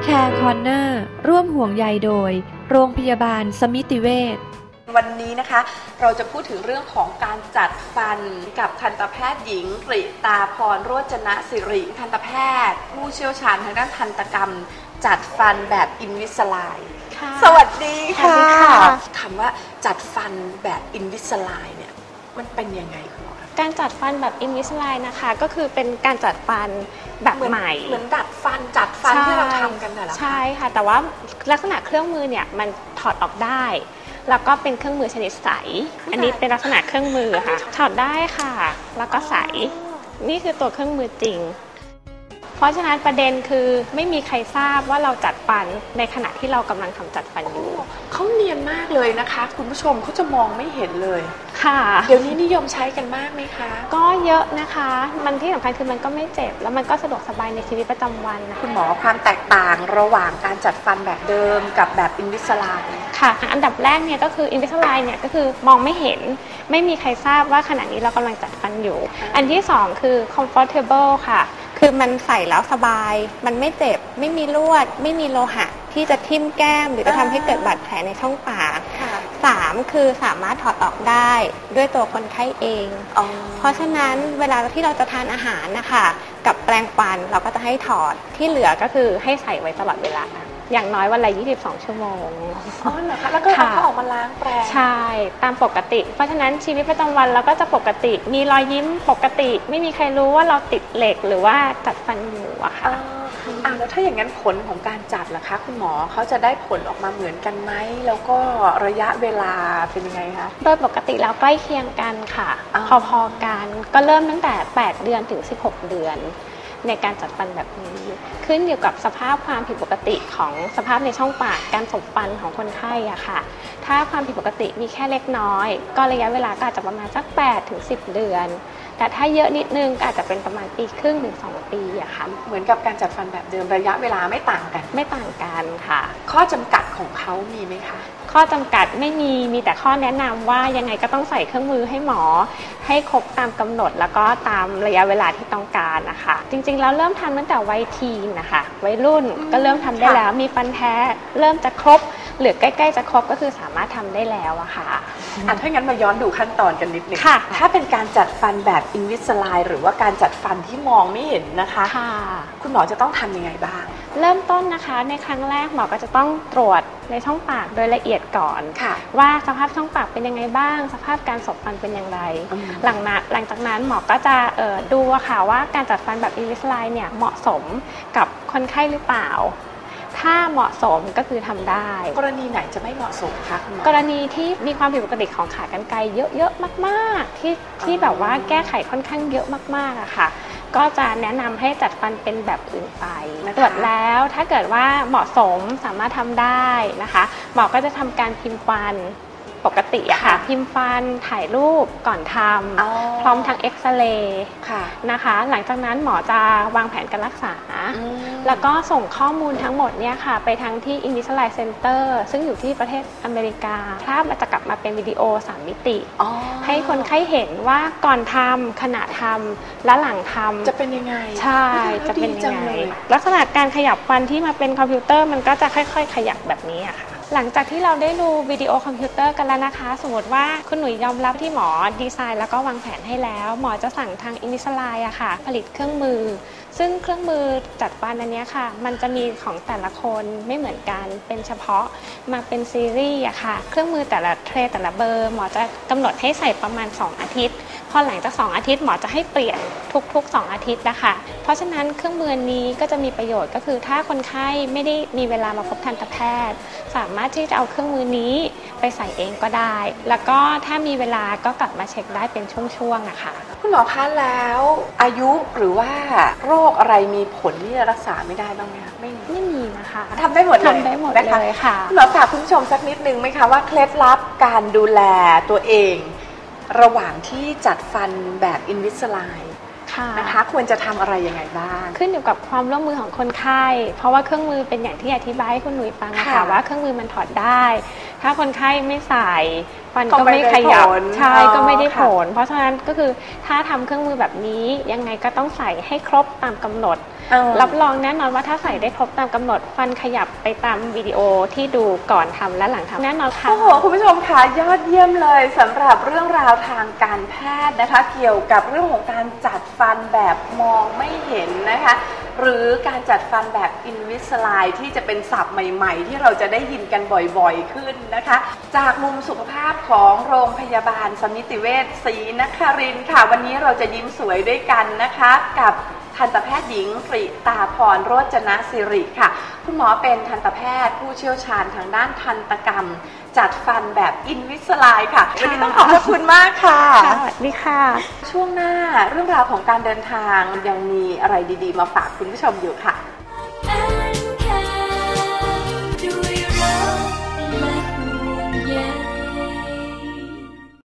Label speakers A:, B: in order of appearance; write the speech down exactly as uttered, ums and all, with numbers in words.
A: Care Corner ร่วมห่วงใยโดยโรงพยาบาลสมิติเวช
B: วันนี้นะคะเราจะพูดถึงเรื่องของการจัดฟันกับทันตแพทย์หญิงกฤตาพรโรจนสิริทันตแพทย์ผู้เชี่ยวชาญทางด้านทันตกรรมจัดฟันแบบอินวิสไลน์สวัสดีค่ะคำว่าจัดฟันแบบอินวิสไลน์เนี่ยมันเป็นยังไงคุณหมอ
C: การจัดฟันแบบอินวิสไลน์นะคะก็คือเป็นการจัดฟันแบบใหม่
B: เหมือนดัดฟันจัดฟันที่เราทำกันน่ะเหรอคะ
C: ใช่ค่ะแต่ว่าลักษณะเครื่องมือเนี่ยมันถอดออกได้แล้วก็เป็นเครื่องมือชนิดใสอันนี้เป็นลักษณะเครื่องมือค่ะถอดได้ค่ะแล้วก็ใสนี่คือตัวเครื่องมือจริงเพราะฉะนั้นประเด็นคือไม่มีใครทราบว่าเราจัดฟันในขณะที่เรากำลังทำจัดฟันอยู่
B: เขาเนียนมากเลยนะคะคุณผู้ชมเขาจะมองไม่เห็นเลย
C: ค่ะ
B: เดี๋ยวนี้นิยมใช้กันมากไหมคะ
C: ก็เยอะนะคะมันที่สำคัญคือมันก็ไม่เจ็บแล้วมันก็สะดวกสบายในชีวิตประจำวันนะ
B: คุณหมอความแตกต่างระหว่างการจัดฟันแบบเดิมกับแบบอินวิสไลน์
C: ค่ะอันดับแรกเนี่ยก็คืออินวิสไลน์เนี่ยก็คือมองไม่เห็นไม่มีใครทราบว่าขณะนี้เรากำลังจัดฟันอยู่อันที่สองคือ comfortable ค่ะคือมันใส่แล้วสบายมันไม่เจ็บไม่มีลวดไม่มีโลหะที่จะทิ่มแก้มหรือจะทำให้เกิดบาดแผลในช่องปากสามคือสามารถถอดออกได้ด้วยตัวคนไข้เองเพราะฉะนั้นเวลาที่เราจะทานอาหารนะคะกับแปรงฟันเราก็จะให้ถอดที่เหลือก็คือให้ใส่ไว้ตลอดเวลาอย่างน้อยวันละยี่สิบสองชั่วโมง
B: อ๋อเหรอคะแล้วก็เอาเขาออกมาล้างแปรง
C: ใช่ตามปกติเพราะฉะนั้นชีวิตประจำวันเราก็จะปกติมีรอยยิ้มปกติไม่มีใครรู้ว่าเราติดเหล็กหรือว่าจัดฟันอยู่อะค่ะ
B: อ่าแล้วถ้าอย่างนั้นผลของการจัดล่ะคะคุณหมอเขาจะได้ผลออกมาเหมือนกันไหมแล้วก็ระยะเวลาเป็นยังไงคะ
C: โดยปกติแล้วใกล้เคียงกันค่ะพอๆกันก็เริ่มตั้งแต่แปดเดือนถึงสิบหกเดือนในการจัดฟันแบบนี้ขึ้นอยู่กับสภาพความผิดปกติของสภาพในช่องปากการสบฟันของคนไข้อะค่ะถ้าความผิดปกติมีแค่เล็กน้อยก็ระยะเวลาก็อาจจะประมาณสักแปดถึงสิบเดือนแต่ถ้าเยอะนิดนึงก็อาจจะเป็นประมาณปีครึ่งถึงสองปีอะค่ะ
B: เหมือนกับการจัดฟันแบบเดิมระยะเวลาไม่ต่างกัน
C: ไม่ต่างกันค่ะ
B: ข้อจำกัดของเขามีไหมคะ
C: ข้อจำกัดไม่มีมีแต่ข้อแนะนำว่ายังไงก็ต้องใส่เครื่องมือให้หมอให้ครบตามกำหนดแล้วก็ตามระยะเวลาที่ต้องการนะคะจริงๆแล้วเริ่มทำตั้งแต่วัยทีนนะคะวัยรุ่นก็เริ่มทำได้แล้วมีฟันแท้เริ่มจะครบหรือใกล้ๆจะครบก็คือสามารถทำได้แล้วอะค่ะ
B: อ่ะถ้างั้นมาย้อนดูขั้นตอนกันนิดนึงค่ะถ้าเป็นการจัดฟันแบบอินวิสไลน์หรือว่าการจัดฟันที่มองไม่เห็นนะคะ
C: ค่ะ
B: คุณหมอจะต้องทำยังไงบ้าง
C: เริ่มต้นนะคะในครั้งแรกหมอก็จะต้องตรวจในช่องปากโดยละเอียดก่อนว่าสภาพช่องปากเป็นยังไงบ้างสภาพการสบฟันเป็นอย่างไรหลังนั้นหลังจากนั้นหมอก็จะดูค่ะว่าการจัดฟันแบบอินวิสไลน์เนี่ยเหมาะสมกับคนไข้หรือเปล่าถ้าเหมาะสมก็คือทำได้
B: กรณีไหนจะไม่เหมาะสมคะคุณหมอก
C: รณีที่มีความผิดปกติของขากรรไกรเยอะๆมากๆที่ที่แบบว่าแก้ไขค่อนข้างเยอะมากๆอะค่ะก็จะแนะนำให้จัดฟันเป็นแบบอื่นไปตรวจแล้วถ้าเกิดว่าเหมาะสมสามารถทำได้นะคะหมอก็จะทำการพิมพ์ฟันปกติอะค่ะพิมพ์ฟันถ่ายรูปก่อนทำพร้อมทั้งเอ็กซเรย์นะคะหลังจากนั้นหมอจะวางแผนการรักษาแล้วก็ส่งข้อมูลทั้งหมดเนี่ยค่ะไปทั้งที่ Invisalign Center ซึ่งอยู่ที่ประเทศอเมริกาภาพมันจะกลับมาเป็นวิดีโอสามมิติให้คนไข้เห็นว่าก่อนทำขณะทำและหลังทำ
B: จะเป็นยังไง
C: ใช่จะเป็นยังไงลักษณะการขยับฟันที่มาเป็นคอมพิวเตอร์มันก็จะค่อยๆขยับแบบนี้ค่ะหลังจากที่เราได้ดูวิดีโอคอมพิวเตอร์กันแล้วนะคะสมมติว่าคุณหนุ่ยยอมรับที่หมอดีไซน์แล้วก็วางแผนให้แล้วหมอจะสั่งทาง Invisalign อะค่ะผลิตเครื่องมือซึ่งเครื่องมือจัดฟันอันนี้ค่ะมันจะมีของแต่ละคนไม่เหมือนกันเป็นเฉพาะมาเป็นซีรีส์อะค่ะเครื่องมือแต่ละเทรแต่ละเบอร์หมอจะกำหนดให้ใส่ประมาณสองอาทิตย์พอหลังจากสองอาทิตย์หมอจะให้เปลี่ยนทุกๆสองอาทิตย์นะคะเพราะฉะนั้นเครื่องมือนี้ก็จะมีประโยชน์ก็คือถ้าคนไข้ไม่ได้มีเวลามาพบทันตแพทย์สามารถที่จะเอาเครื่องมือนี้ไปใส่เองก็ได้แล้วก็ถ้ามีเวลาก็กลับมาเช็คได้เป็นช่วงๆอะค่ะ
B: คุณหมอคะแล้วอายุหรือว่าโรคอะไรมีผลที่จะรักษาไม่ได้บ้างไหมคะ
C: ไม่ไม่มีนะคะ
B: ทำได้หมดเลย
C: ทำได้หมดเลยค่ะ
B: คุณหมอฝากคุณผู้ชมสักนิดนึงไหมคะว่าเคล็ดลับการดูแลตัวเองระหว่างที่จัดฟันแบบอินวิสไลน์นะคะควรจะทำอะไรยังไงบ้าง
C: ขึ้นอยู่กับความร่วมมือของคนไข้เพราะว่าเครื่องมือเป็นอย่างที่อธิบายให้คุณหนุ่ยฟังค่ะว่าเครื่องมือมันถอดได้ถ้าคนไข้ไม่ใส่ฟันก็ไม่ขยับใช่ก็ไม่ได้ผลเพราะฉะนั้นก็คือถ้าทำเครื่องมือแบบนี้ยังไงก็ต้องใส่ให้ครบตามกำหนด
B: เออ
C: รับรองแน่นอนว่าถ้าใส่ได้ครบตามกำหนดฟันขยับไปตามวิดีโอที่ดูก่อนทำและหลังทำแน่นอนค่ะ
B: โอ้โหคุณผู้ชมค่ะยอดเยี่ยมเลยสำหรับเรื่องราวทางการแพทย์นะคะ เกี่ยวกับเรื่องของการจัดฟันแบบมองไม่เห็นนะคะหรือการจัดฟันแบบ Invisalign ที่จะเป็นศัพท์ใหม่ๆ ที่เราจะได้ยินกันบ่อยๆขึ้นนะคะ จากมุมสุขภาพของโรงพยาบาลสมิติเวชศรีนครินทร์ค่ะวันนี้เราจะยิ้มสวยด้วยกันนะคะกับทันตแพทย์หญิงกฤตาพรโรจนศิริค่ะคุณหมอเป็นทันตแพทย์ผู้เชี่ยวชาญทางด้านทันตกรรมจัดฟันแบบ Invisalign ค่ะวันนี้ต้องขอบพระคุณมากค่ะ
C: สวัสดีค่ะ
B: ช่วงหน้าเรื่องราวของการเดินทางยังมีอะไรดีๆมาฝากคุณผู้ชมอยู่ค่ะ